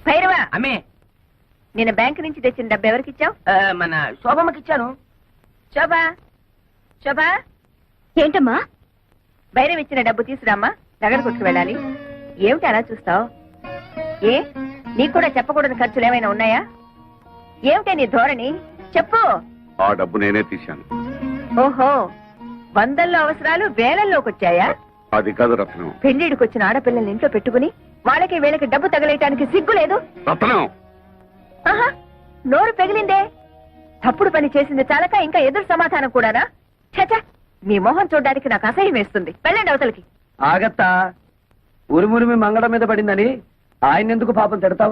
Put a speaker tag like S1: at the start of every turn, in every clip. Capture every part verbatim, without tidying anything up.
S1: భైరవా
S2: అమ్మే
S1: నేను బ్యాంక్ నుంచి తెచ్చిన డబ్బు ఎవరికి ఇచ్చావు?
S2: మన శోభమ్మకి ఇచ్చాను.
S1: శోభా శోభా
S3: ఏంటమ్మా?
S1: భైరవ్ ఇచ్చిన డబ్బు తీసురామ్మా, నగర కొట్టుకు వెళ్ళాలి. ఏమిటి అలా చూస్తావు? ఏ నీకు కూడా చెప్పకూడని ఖర్చులు ఏమైనా ఉన్నాయా? ఏమిటే నీ ధోరణి? చెప్పు.
S4: ఆ డబ్బు నేనే తీశాను.
S1: ఓహో, వందల్లో అవసరాలు వేలల్లోకి వచ్చాయా?
S4: అది కాదు రత్నం.
S1: పెళ్లిడికి వచ్చిన ఆడపిల్లల్ని ఇంట్లో పెట్టుకుని వాళ్ళకి వీళ్ళకి డబ్బు తగలేయటానికి సిగ్గు లేదు?
S4: రత్నం
S1: ఆహా, నోరు పెగిలిందే. తప్పుడు పని చేసింది చాలక ఇంకా ఎదురు సమాధానం కూడానా? చచా, మీ మొహం చూడడానికి నాకు అసహ్యం వేస్తుంది. వెళ్ళండి అవతలకి.
S5: ఆగత్తా, ఉరుమురిమి మంగళం మీద పడిందని ఆయన ఎందుకు పాపం తిడతావు?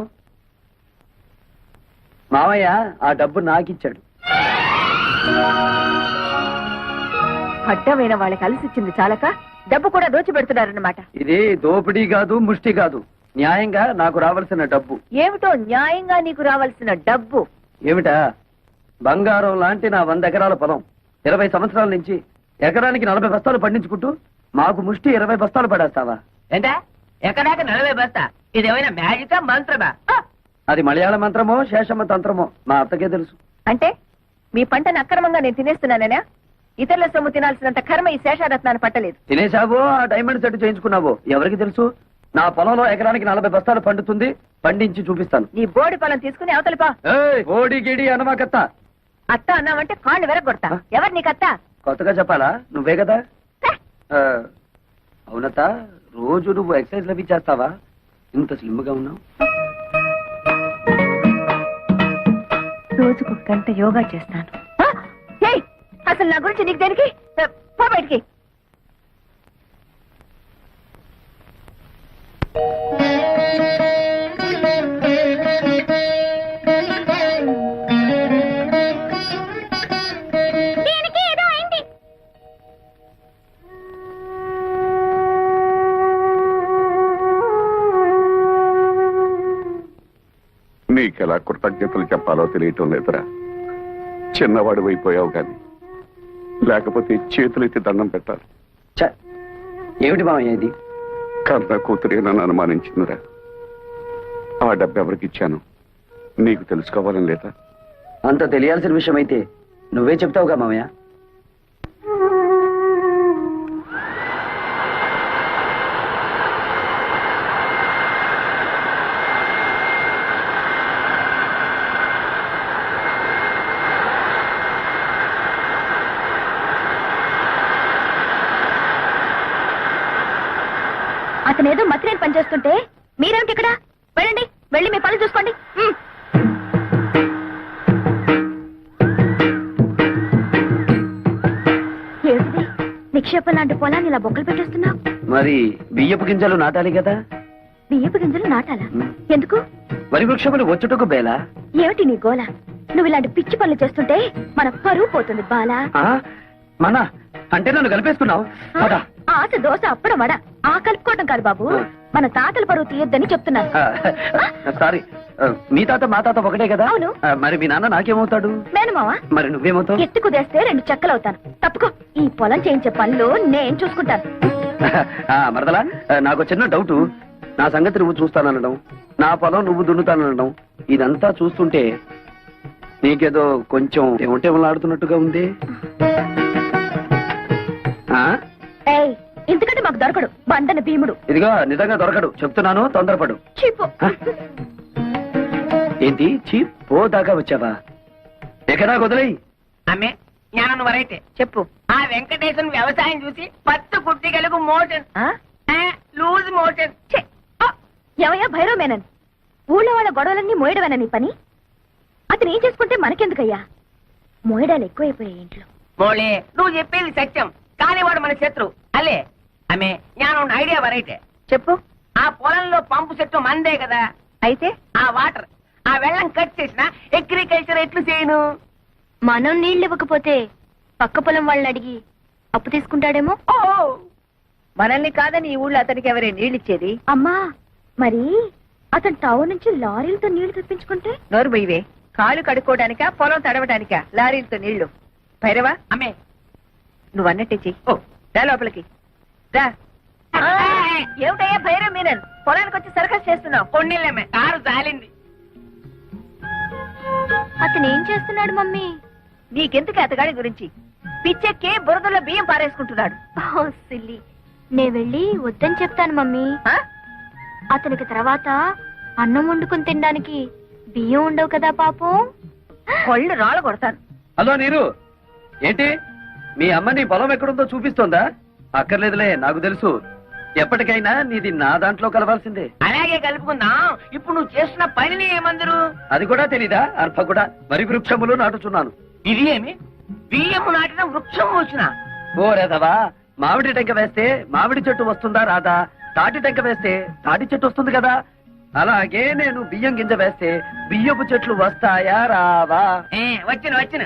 S5: మావయ్య ఆ డబ్బు నాకిచ్చాడు.
S1: అడ్డమైన వాళ్ళకి అలసిచ్చింది చాలక డబ్బు కూడా దోచిపెడుతున్నారన్నమాట.
S5: ఇది దోపిడీ కాదు, ముష్టి కాదు, న్యాయంగా నాకు రావాల్సిన డబ్బు.
S1: ఏమిటో న్యాయంగా నీకు రావాల్సిన డబ్బు?
S5: ఏమిటా? బంగారం లాంటి నా వంద ఎకరాల పొలం ఇరవై సంవత్సరాల నుంచి ఎకరానికి నలభై బస్తాలు పండించుకుంటూ మాకు ముష్టి ఇరవై బస్తాలు పడేస్తావా?
S2: ఏంటా ఎక్కడాక నలభై బస్తా? ఇదేమైనా మ్యాజికా మంత్రమా?
S5: అది మలయాళ మంత్రమో శేషమ్మ తంత్రమో మా అత్తకే తెలుసు.
S1: అంటే మీ పంటను అక్రమంగా నేను తినేస్తున్నానేనా? ఇతరుల సొమ్ము తినాల్సినంత కర్మ ఈ శేషారత్నాన్ని పట్టలేదు.
S5: తినేశావో ఆ డైమండ్ సెట్ చేయించుకున్నావో ఎవరికి తెలుసు? నా పొలంలో ఎకరానికి నలభై బస్తాలు పండుతుంది, పండించి చూపిస్తాను.
S1: నీ బోడి పొలం తీసుకుని అవతలిపా.
S5: ఓడి గిడి అనమాకత్త.
S1: అత్త అన్నావంటే కాళ్ళు వెరగొడతా. ఎవరు నీకత్త?
S5: కొత్తగా చెప్పాలా? నువ్వే కదా. అవునత్త, రోజు నువ్వు ఎక్సర్సైజ్ లవి చేస్తావా? ఇంత స్లిమ్ గా ఉన్నావు.
S1: రోజుకు గంట యోగా చేస్తాను. అసలు నా గురించి నీకు దేనికి? పో బయటికి.
S4: నీకెలా కృతజ్ఞతలు చెప్పాలో తెలియటం లేదురా. చిన్నవాడు అయిపోయావు కానీ లేకపోతే చేతులెత్తి దండం పెట్టాలి.
S5: ఏమిటి మామయ్య ఇది?
S4: కన్న కూతురే నన్ను అనుమానించిందిరా. ఆ డబ్బు ఎవరికి ఇచ్చాను నీకు తెలుసుకోవాలని లేదా?
S5: అంత తెలియాల్సిన విషయం అయితే నువ్వే చెప్తావుగా మామయ్య.
S3: అతనేదో మతిరేని పనిచేస్తుంటే మీరేమిటి ఇక్కడ? వెళ్ళండి, వెళ్ళి మీ పని చూసుకోండి. ఏమిటి నిక్షేపం లాంటి పొలాన్ని ఇలా బొక్కలు పెట్టేస్తున్నావు?
S5: మరి బియ్యపు గింజలు నాటాలి కదా.
S3: బియ్యపు గింజలు నాటాలా? ఎందుకు?
S5: వరి వృక్షములు వచ్చుటకు బేలా.
S3: ఏమిటి నీ గోల? నువ్వు ఇలాంటి పిచ్చి పనులు చేస్తుంటే మన పరువు పోతుంది బాలా.
S5: మన అంటే నన్ను కలిపేసుకున్నావు.
S3: ఆశ దోశ అప్పడం వడ ఆ కలుపుకోవటం కాదు బాబు, మన తాతల పరువు తీయొద్దని చెప్తున్నారు.
S5: సారీ, మీ తాత మా తాత ఒకటే కదా.
S3: అవును.
S5: మరి మీ నాన్న నాకేమవుతాడు?
S3: మేనమావా.
S5: మరి నువ్వేమవుతావు?
S3: ఎత్తు కుదేస్తే రెండు చెక్కలవుతాను. తప్పుకో, ఈ పొలం చేయించే పనులు నేను చూసుకుంటాను.
S5: మరదలా, నాకు చిన్న డౌట్. నా సంగతి నువ్వు చూస్తాననడం, నా పొలం నువ్వు దున్నుతాననడం, ఇదంతా చూస్తుంటే నీకేదో కొంచెం ఏమంటేమలాడుతున్నట్టుగా ఉంది.
S3: ఎందుకంటే మాకు దొరకడు బండన భీముడు.
S5: ఇదిగో నిజంగా దొరకడు చెప్తున్నాను, తొందరపడు.
S3: చీపు.
S5: ఏంటి చీప్? పో దాకా వచ్చావా? ఎక్కడా వదిలేయి.
S2: అమ్మే జ్ఞానం వరైతే
S1: చెప్పు.
S2: ఆ వెంకటేశ్వర వ్యవసాయం చూసి పత్తు కుట్టిగలకు మోషన్ లూజ్ మోషన్.
S3: ఎవయా భైరవ మేనన్, ఊళ్ళో వాళ్ళ గొడవలన్నీ మోయడమేనా నీ పని? అతను ఏం చేసుకుంటే మనకెందుకయ్యా? మోయడాలు ఎక్కువైపోయాయి ఇంట్లో.
S2: మోళే, నువ్వు చెప్పేది సత్యం, కానీ వాడు మన శత్రు అలే. అమ్మే జ్ఞానం ఐడియా వరైతే
S1: చెప్పు.
S2: ఆ పొలంలో పంపు చెట్టు మందే కదా.
S1: అయితే
S2: ఆ వాటర్ ఆ వెళ్ళం కట్ చేసిన అగ్రికల్చర్ ఎట్లు చేయను?
S3: మనం నీళ్ళు ఇవ్వకపోతే పక్క పొలం వాళ్ళని అడిగి అప్పు తీసుకుంటాడేమో.
S2: ఓ
S1: మనల్ని కాదని ఈ ఊళ్ళో అతనికి ఎవరే నీళ్ళిచ్చేది?
S3: అమ్మా, మరి అతను టౌన్ నుంచి లారీలతో నీళ్లు తెప్పించుకుంటే?
S1: నోరు బొయ్యవే. కాళ్ళు కడుక్కోవడానికా పొలం తడవడానికా లారీలతో నీళ్లు? భైరవా,
S2: అమ్మే
S1: నువ్వు అన్నట్టే చెయ్యి.
S2: ఓ
S1: రా లోపలికి రా. ఏమిటయ్యా భైరవ్ మీనన్, పొలానికి వచ్చి సర్కస్ చేస్తున్నావు?
S2: కొన్నిళ్ళమ్మే కారు జాలింది.
S3: అతను ఏం చేస్తున్నాడు మమ్మీ?
S1: నీకెందుకు అతగాడి గురించి? పిచ్చెక్కి బురదలో బియ్యం పారేసుకుంటున్నాడు.
S3: ఓ సిల్లి, నే వెళ్ళి వద్దని చెప్తాను మమ్మీ.
S1: ఆ?
S3: అతనికి తర్వాత అన్నం వండుకుని తినడానికి బియ్యం ఉండవు కదా పాపం.
S1: కొళ్ళు రాళ్ళ కొడతాను.
S5: హలో నీరు, ఏంటి మీ అమ్మ నీ పొలం ఎక్కడుందో చూపిస్తోందా? అక్కర్లేదులే, నాకు తెలుసు. ఎప్పటికైనా నీది నా దాంట్లో కలవాల్సిందే.
S2: అలాగే కలుపుకుందాం. ఇప్పుడు నువ్వు చేస్తున్న పనిని ఏమందరు?
S5: అది కూడా తెలీదా? అర్భ కూడా వరి వృక్షములు నాటుచున్నాను.
S2: ఇది ఏమి? బియ్యము నాటిన వృక్షం వచ్చిన
S5: ఓ రేదవా, మామిడి టెంక వేస్తే మామిడి చెట్టు వస్తుందా రాదా? తాటి టెంక వేస్తే తాటి చెట్టు వస్తుంది కదా. అలాగే నేను బియ్యం గింజ వేస్తే బియ్యపు చెట్లు వస్తాయా రావా?
S2: వచ్చిన వచ్చిన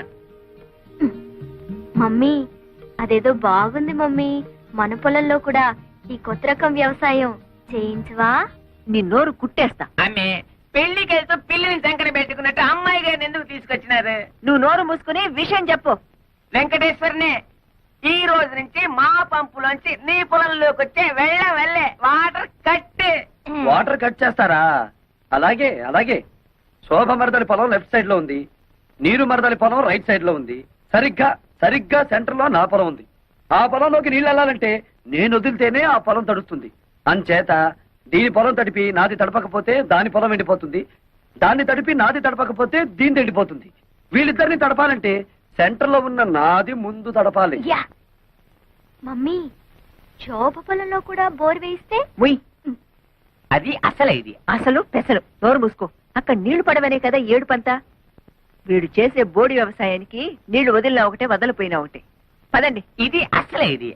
S3: మమ్మీ, అదేదో బాగుంది మమ్మీ. మన పొలంలో కూడా ఈ కొత్త రకం వ్యవసాయం చేయించవా?
S1: నీ నోరు కుట్టేస్తా.
S2: ఆమె పెళ్లికి వెళ్తూ పిల్లిని సంకట పెట్టుకున్నట్టు అమ్మాయి గారిని ఎందుకు తీసుకొచ్చినారు?
S1: నువ్వు నోరు మూసుకుని విషయం చెప్పు.
S2: వెంకటేశ్వరనే, ఈ రోజు నుంచి మా పంపులోంచి నీ పొలంలోకి వచ్చే వెళ్ళ వెళ్ళే వాటర్ కట్టే.
S5: వాటర్ కట్ చేస్తారా? అలాగే అలాగే. శోభ మరదలి పొలం లెఫ్ట్ సైడ్ లో ఉంది, నీరు మరదలి పొలం రైట్ సైడ్ లో ఉంది. సరిగ్గా సరిగ్గా సెంటర్ లో నా పొలం ఉంది. ఆ పొలంలోకి నీళ్ళు వెళ్ళాలంటే నేను వదిలితేనే ఆ పొలం తడుస్తుంది. అంచేత దీని పొలం తడిపి నాది తడపకపోతే దాని పొలం ఎండిపోతుంది, దాన్ని తడిపి నాది తడపకపోతే దీని ఎండిపోతుంది. వీళ్ళిద్దరిని తడపాలంటే సెంటర్ లో ఉన్న నాది ముందు తడపాలి.
S3: యా మమ్మీ, శోభ పొలంలో కూడా బోర్ వేయిస్తే?
S1: ఉయ్,
S2: అది అసలే ఇది.
S1: అసలు పెసలు. నోరు మూసుకో. అక్కడ నీళ్లు పడవనే కదా ఏడుపంతా. వీడు చేసే బోడి వ్యవసాయానికి నీళ్లు వదిలినా ఒకటే, వదలిపోయినా ఒకటే. పదండి.
S2: ఇది అసలే ఇది.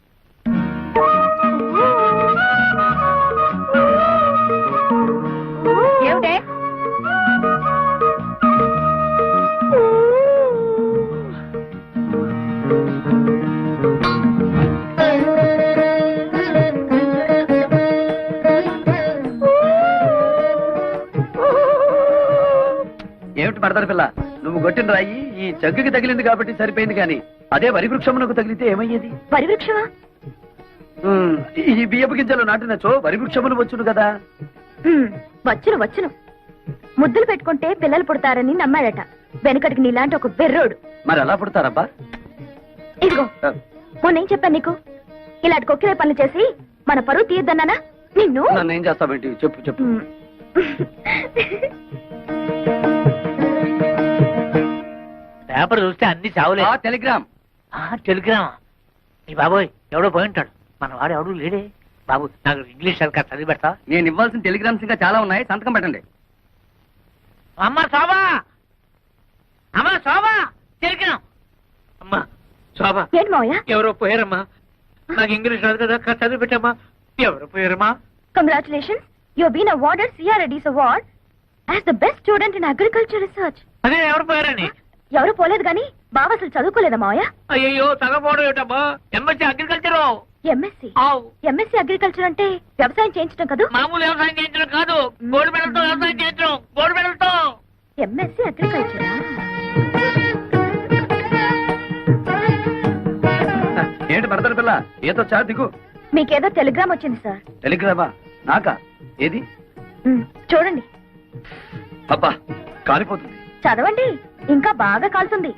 S1: ఏమిటే?
S5: ఏమిటి మరదలి పిల్ల, నువ్వు కొట్టిన రాయి ఈ జగ్గుకి తగిలింది కాబట్టి సరిపోయింది, కానీ అదే వరి వృక్షమునకు తగిలితే ఏమయ్యేది?
S3: వరి వృక్షమా?
S5: ఉమ్, ఈ బియ్యపు గింజలు నాటినచో వరి వృక్షములు వచ్చును కదా.
S3: ఉమ్, వచ్చును వచ్చును. ముద్దులు పెట్టుకుంటే పిల్లలు పుడతారని నమ్మాడట వెనకటికి నీలాంటి ఒక బెర్రోడు.
S5: మరి ఎలా పుడతారబ్బా?
S3: ఇదిగో, మొన్నేం చెప్పాను నీకు? ఇలాంటి కొక్కిరే పనులు చేసి మన పరువు తీయద్దన్నానా నిన్ను?
S5: నన్ను ఏం చేస్తావేంటి? చెప్పు చెప్పు.
S3: ఉమ్.
S6: పేపర్ చూస్తే అన్ని చావులే.
S5: టెలిగ్రామ్.
S6: టెలిగ్రామా? ఈ బాబోయ్, ఎవడో పోయి ఉంటాడు. మన వాడు ఎవడు లేడే. బాబు, నాకు ఇంగ్లీష్ సరిగ్గా చదివి పెడతా.
S5: నేను ఇవ్వాల్సిన టెలిగ్రామ్స్ ఇంకా చాలా ఉన్నాయి, సంతకం పెట్టండి.
S6: అమ్మా శోభా, అమ్మా శోభా, టెలిగ్రామ్. అమ్మా శోభా,
S3: ఏంటి మావయ్య?
S6: ఎవరో పోయారమ్మా. నాకు ఇంగ్లీష్ రాదు కదా, కాస్త చదివి పెట్టమ్మా. ఎవరో పోయారమ్మా.
S3: Congratulations, you have been awarded CRADS award as the best student in agriculture research.
S6: అదే ఎవరు పోయారని?
S3: ఎవరు పోలేదు గాని బావ అసలు చదువుకోలేదా మావయ్య?
S6: అయ్యో, తగపోవడం ఏమిటమ్మా. MSc agriculture.
S3: MSc MSc agriculture అంటే వ్యవసాయం చేయించడం కదా?
S6: మామూలు వ్యవసాయం చేయించడం కాదు, గోల్డ్ మెడల్తో వ్యవసాయం చేయించడం. గోల్డ్ మెడల్తో.
S3: ఎంఎస్సీ అగ్రికల్చరా?
S5: ఏంటి మరదలి పిల్ల, ఏదో చా దిగు.
S3: మీకేదో టెలిగ్రామ్ వచ్చింది సార్.
S5: టెలిగ్రామా? నాకా? ఏది?
S3: ఉమ్, చూడండి.
S5: అబ్బా, కాలిపోతుంది.
S3: చదవండి, ఇంకా బాగా కాలుతుంది.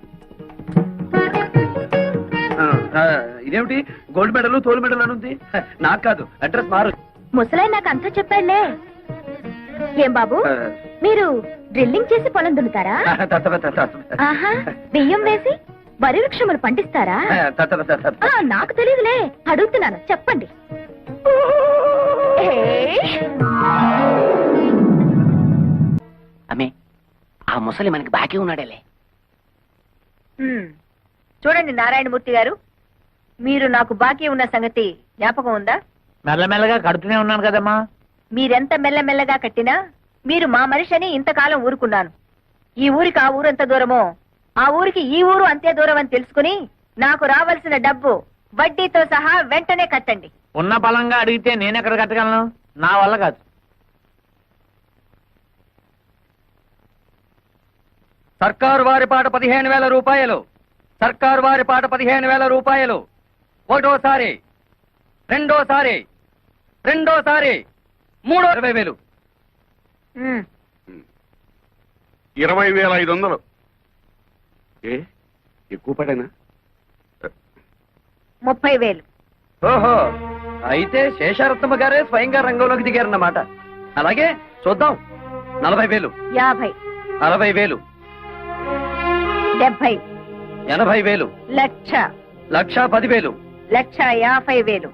S5: ఆ, ఆ, ఇదేమిటి గోల్డ్ మెడల్ తోలు మెడల్ అని ఉంది? హ, నాకు కాదు, అడ్రస్ మారు.
S3: ముసలాయి నాకు అంతా చెప్పాడులే. ఏం బాబు,
S5: ఆ,
S3: మీరు డ్రిల్లింగ్ చేసి పొలం దున్నుతారా?
S5: తత్తవ, తత్తవ.
S3: ఆహా, బియ్యం వేసి వరి వృక్షములు పండిస్తారా?
S5: ఆ, తత్తవ, తత్తవ.
S3: ఆ, నాకు తెలియదులే, అడుగుతున్నాను, చెప్పండి. ఏయ్!
S2: అమ్మే, ఆ ముసలి మనకి బాకీ ఉన్నాడేలే.
S1: ఉమ్. చూడండి నారాయణమూర్తి గారు, మీరు నాకు బాకీ ఉన్న సంగతి జ్ఞాపకం ఉందా?
S6: మెల్లమెల్లగా కడుతూనే ఉన్నాను కదమ్మా.
S1: మీరెంత మెల్లమెల్లగా కట్టినా మీరు మా మనిషిని ఇంతకాలం ఊరుకున్నాను. ఈ ఊరికి ఆ ఊరు ఎంత దూరమో, ఆ ఊరికి ఈ ఊరు అంతే దూరం అని తెలుసుకుని నాకు రావాల్సిన డబ్బు వడ్డీతో సహా వెంటనే కట్టండి.
S6: ఉన్న బలంగా అడిగితే నేనెక్కడ కట్టగలను? నా వల్ల కాదు.
S5: సర్కారు వారి పాట పదిహేను వేల రూపాయలు. సర్కారు వారి పాట పదిహేను వేల రూపాయలు. ఒకటోసారి, రెండోసారి, రెండోసారి, మూడో ఇరవై వేలు.
S1: ఉమ్.
S4: ఇరవై వేల ఐదు వందలు ఏ ఎక్కువ పడేనా?
S1: ముప్పై వేలు.
S5: ఓహో, అయితే శేషారత్నమ్మ గారే స్వయంగా రంగంలోకి దిగారన్నమాట. అలాగే చూద్దాం. నలభై వేలు,
S1: యాభై,
S5: అరవై వేలు,
S1: డెబ్బై,
S5: ఎనభై వేలు,
S1: లక్ష,
S5: లక్ష పదివేలు,
S1: లక్ష యాభై వేలు.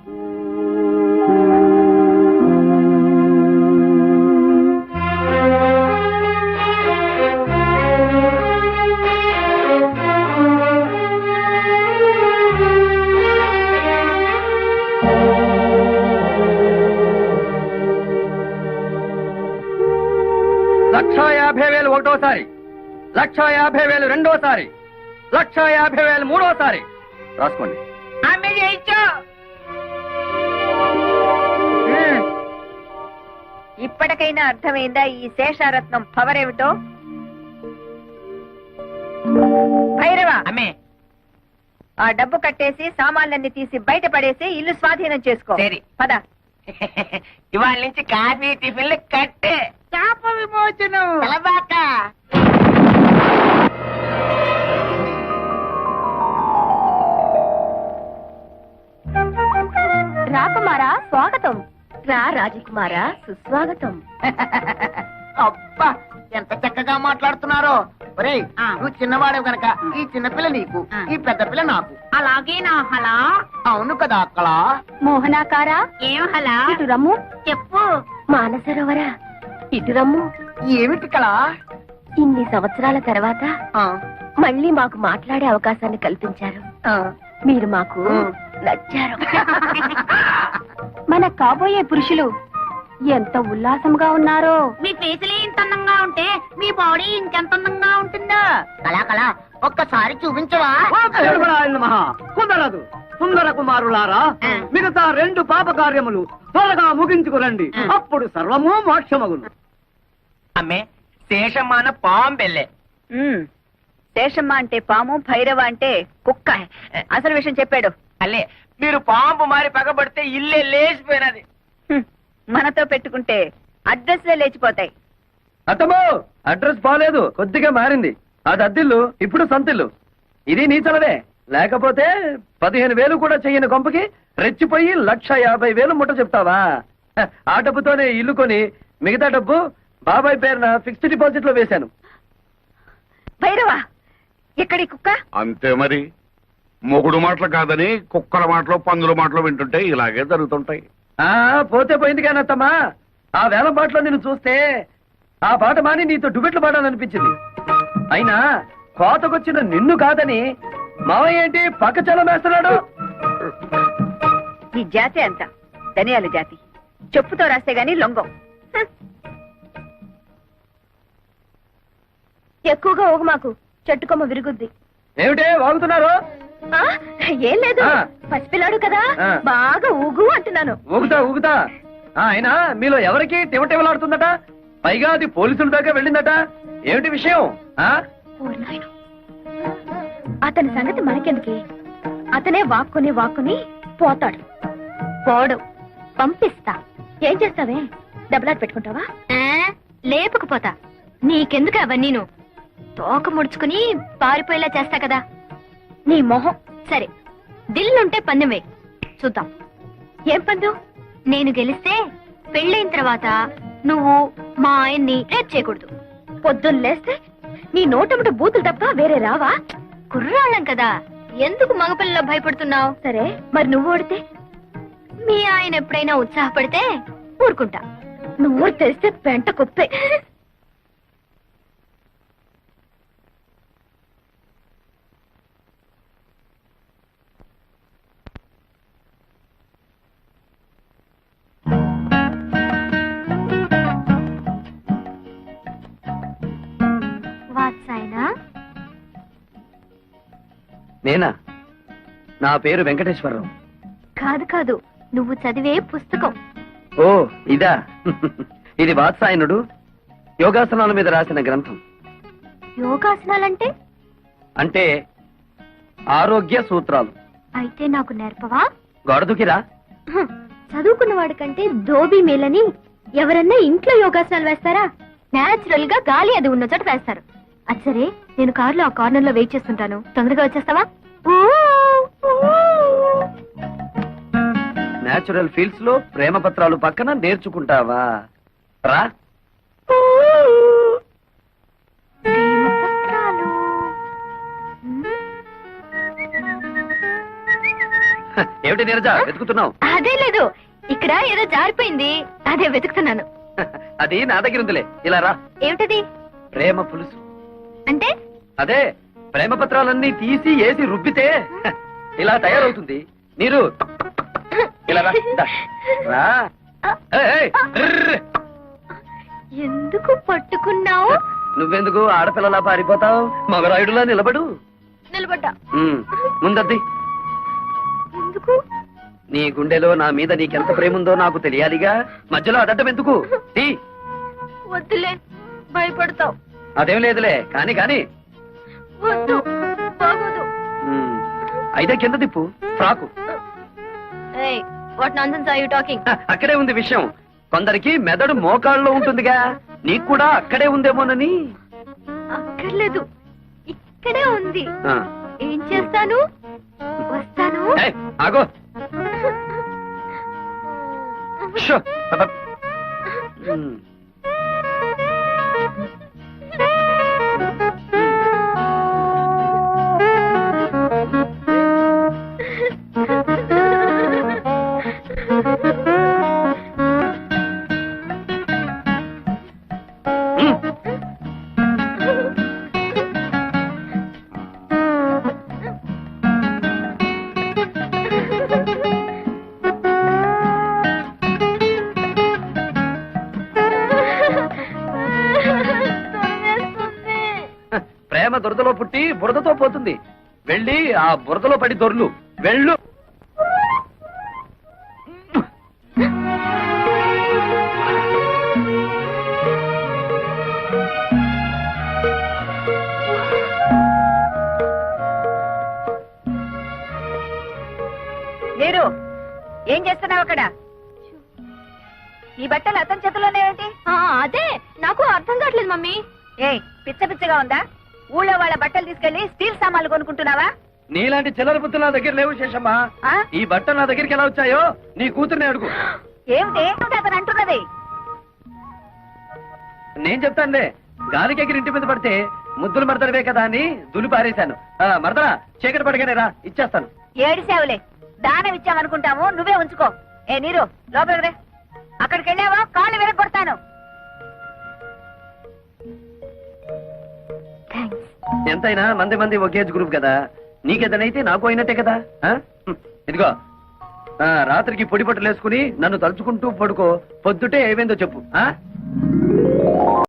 S5: లక్ష యాభై వేలు ఒకటోసారి, లక్ష యాభై వేలు రెండోసారి, లక్ష యాభై వేలు మూడోసారి. రాసుకోండి.
S2: అమ్మే చేయించు.
S1: ఉమ్. ఇప్పటికైనా అర్థమైందా ఈ శేషారత్నం పవర్ ఏమిటో? భైరవ,
S2: అమ్మే
S1: ఆ డబ్బు కట్టేసి సామాన్లన్నీ తీసి బయట పడేసి ఇల్లు స్వాధీనం చేసుకో.
S2: సరే.
S1: పద.
S2: ఇవాళ నుంచి కాఫీ టిఫిన్లు కట్టే. శాప విమోచనం. తలబాక.
S3: రాకుమారా స్వాగతం. రా రాజకుమారా సుస్వాగతం.
S2: అబ్బా ఎంత చక్కగా మాట్లాడుతున్నారో. ఒరేయ్, నువ్వు చిన్నవాడే గనక ఈ చిన్నపిల్ల నీకు, ఈ పెద్ద పిల్ల నాకు. అలాగే నా హలా. అవును కదా అక్కడ.
S3: మోహనాకారా
S2: ఏం హలా?
S3: ఇటు రమ్ము.
S2: చెప్పు.
S3: మానసరోవరా ఇటు రమ్ము.
S2: ఏమిటి కళ?
S3: ఇన్ని సంవత్సరాల తర్వాత మళ్ళీ మాకు మాట్లాడే అవకాశాన్ని కల్పించారు. మీరు మాకు నచ్చారు. మన కాబోయే పురుషులు ఎంత ఉల్లాసంగా ఉన్నారో.
S2: మీ ఫేసులే ఇంత అందంగా ఉంటే మీ బాడీ ఇంకెంత అందంగా ఉంటుందో. కళా కళా ఒక్కసారి చూపించవా?
S5: కుదరదు. సుందర కుమారులారా, మిగతా రెండు పాప కార్యములు త్వరగా ముగించుకురండి. అప్పుడు సర్వము మోక్షమగును.
S2: అమ్మే శేషమాన పాంబెల్లే.
S1: ఉమ్. శేషమ్మ అంటే పాము, భైరవ అంటే కుక్క. అసలు విషయం చెప్పాడు.
S2: అల్లే మీరు పాంపు మారి పగబడితే ఇల్లే లేచిపోయినది.
S1: హ్మ్. మనతో పెట్టుకుంటే అడ్రస్లే లేచిపోతాయి.
S5: అత్తమ్మో, అడ్రస్ బాలేదు, కొద్దిగా మారింది. అది అద్దిల్లు, ఇప్పుడు సంతిల్లు. ఇది నీ చలవే. లేకపోతే పదిహేను వేలు కూడా చెయ్యని కొంపకి రెచ్చిపోయి లక్ష యాభై వేలు ముట్ట చెప్తావా? హ, ఆ డబ్బుతోనే ఇల్లు కొని మిగతా డబ్బు బాబాయ్ పేరున ఫిక్స్డ్ డిపాజిట్ లో వేశాను.
S1: భైరవ, ఎక్కడి కుక్క?
S4: అంతే మరి. మొగుడు మాటలు కాదని కుక్కల మాటలు పందుల మాటలు వింటుంటే ఇలాగే జరుగుతుంటాయి.
S5: ఆ పోతే పోయింది కానీ అత్తమ్మా, ఆ వేల పాటలో నిన్ను చూస్తే ఆ పాట మాని నీతో డుబెట్లు పాడాలనిపించింది. అయినా కోతకొచ్చిన నిన్ను కాదని మావయ్య ఏంటి పక్క చలం వేస్తున్నాడు?
S1: ఈ జాతి అంత ధనియాల జాతి. చెప్పుతో రాస్తే గాని లొంగం. హ్మ్.
S3: ఎక్కువగా ఓగు మాకు, చెట్టుకొమ్మ విరుగుద్ది.
S5: ఏమిటే వాగుతున్నారు?
S3: ఆ, ఏం లేదు,
S5: ఆ.
S3: పసిపిల్లాడు కదా
S5: ఆ.
S3: బాగా ఊగు అంటున్నాను.
S5: ఊగుతా ఊగుతా. ఆ, అయినా మీలో ఎవరికి టివటివలాడుతుందట? పైగా అది పోలీసుల దాకా వెళ్ళిందట. ఏమిటి విషయం? ఆ
S3: ఓరి నాయనో. అతని సంగతి మనకెందుకే? అతనే వాక్కుని వాక్కుని పోతాడు. పోడు, పంపిస్తా. ఏం చేస్తావే? డబ్బులాట పెట్టుకుంటావా? లేపుకుపోతా. నీకెందుకు అవన్నీను? తోక ముడుచుకుని పారిపోయేలా చేస్తా కదా. నీ మొహం. సరే, దిల్లుంటే పందెం వేయి, చూద్దాం. ఏం పందెం? నేను గెలిస్తే పెళ్ళైన తర్వాత నువ్వు మా ఆయన్ని రేప్ చేయకూడదు. పొద్దున్న లేస్తే నీ నోటముట బూతులు తప్ప వేరే రావా? కుర్రాళ్ళం కదా, ఎందుకు మగపిల్లలో భయపడుతున్నావు? సరే, మరి నువ్వు ఓడితే? మీ ఆయన ఎప్పుడైనా ఉత్సాహపడితే ఊరుకుంటా. నువ్వు తెలిస్తే పెంట కుప్పే. వాత్సాయనా?
S5: నేనా? నా పేరు వెంకటేశ్వరరావు.
S3: కాదు కాదు, నువ్వు చదివే పుస్తకం.
S5: ఓ ఇదా? ఇది వాత్సాయనుడు యోగాసనాల మీద రాసిన గ్రంథం.
S3: యోగాసనాలంటే?
S5: అంటే ఆరోగ్య సూత్రాలు.
S3: అయితే నాకు నేర్పవా?
S5: గొడదుకిరా.
S3: హ్, చదువుకున్న వాడికంటే దోబీ మేలని ఎవరన్నా ఇంట్లో యోగాసనాలు వేస్తారా? నేచురల్ గా గాలి అది ఉన్న చోట వేస్తారు. అది సరే, నేను కారులో ఆ కార్నర్ లో వెయిట్ చేస్తుంటాను, తొందరగా వచ్చేస్తావా? ఊ, ఊ.
S5: నేచురల్ ఫీల్డ్స్ లో ప్రేమ పత్రాలు పక్కన నేర్చుకుంటావా? రా.
S3: ప్రేమ పత్రాలు. మ్మ్.
S5: హ, ఏమిటి నీరజ వెతుకుతున్నావు?
S3: అదే లేదు, ఇక్కడ ఏదో జారిపోయింది, అదే వెతుకుతున్నాను.
S5: హ, అది నా దగ్గర ఉందిలే. ఇలా రా.
S3: ఏమిటది?
S5: ప్రేమ పులుసు.
S3: అంటే
S5: అదే ప్రేమ పత్రాలన్నీ తీసి ఏసి రుబ్బితే హ, ఇలా తయారవుతుంది. నీరు ఇలా రా. దా. రా. ఏయ్, ఏయ్, ర్ర్.
S3: ఎందుకు పట్టుకున్నావు?
S5: నువ్వెందుకు ఆడపిల్లలా పారిపోతావు? మగరాయుడులా నిలబడు.
S3: నిలబడ్డా.
S5: ఉమ్, ముందద్ది.
S3: ఎందుకు?
S5: నీ గుండెలో నా మీద నీకెంత ప్రేమ ఉందో నాకు తెలియాలిగా. మధ్యలో అడడ్డం ఎందుకు? తీ.
S3: వద్దులే, భయపడతావు.
S5: అదేం లేదులే, కాని కాని.
S3: వద్దు, బాగోదు.
S5: ఉమ్, అయితే కింద తిప్పు. Frock.
S3: What nonsense are you talking?
S5: హ, అక్కడే ఉంది విషయం. కొందరికి మెదడు మోకాళ్ళలో ఉంటుందిగా, నీకు కూడా అక్కడే ఉందేమోనని.
S3: అక్కర్లేదు, ఇక్కడే ఉంది.
S5: ఆ.
S3: ఏం చేస్తాను? వస్తాను.
S5: ఏయ్, ఆగో. షో. అబ్బ. ఉమ్. ఉమ్. హ, ప్రేమ దురదలో పుట్టి బురదతో పోతుంది. వెళ్ళి ఆ బురదలో పడి దొర్లు. వెళ్ళు.
S1: లేరు, ఏం చేస్తున్నావు అక్కడ? ఈ బట్టలు అతని చేతిలోనే ఏంటి?
S3: ఆ, అదే నాకు అర్థం కావట్లేదు మమ్మీ.
S1: ఏయ్, పిచ్చ పిచ్చగా ఉందా? ఊళ్ళో వాళ్ళ బట్టలు తీసుకెళ్లి స్టీల్ సామాన్లు కొనుక్కుంటున్నావా?
S5: నీలాంటి చిల్లర బుద్ధులు నా దగ్గర లేవు శేషమ్మా.
S1: ఆ?
S5: ఈ బట్టలు నా దగ్గరికి ఎలా వచ్చాయో నీ కూతుర్ని అడుగు.
S1: ఏమిటి ఏమిటి అతను అంటున్నది?
S5: నేను చెప్తానులే. గాలికి ఎగిరి ఇంటి మీద పడితే ముద్దులు మరదలవే కదా అని దులి పారేశాను. ఆ, మరదలా చీకటి పడగానే రా, ఇచ్చేస్తాను.
S1: ఏడిసేవులే, దానం ఇచ్చామనుకుంటాము, నువ్వే ఉంచుకో. ఏ నీరు, లోపలికి రే. అక్కడికి వెళ్ళావా కాళ్ళు విరగొడతాను.
S3: థ్యాంక్స్.
S5: ఎంతైనా మంది మంది ఒకే ఏజ్ గ్రూప్ కదా. నీకేదనైతే నాకు అయినట్టే కదా. ఆ? హ్మ్. ఇదిగో ఆ, రాత్రికి పొడి బట్టలు వేసుకుని నన్ను తలుచుకుంటూ పడుకో. పొద్దుటే ఏమైందో చెప్పు. ఆ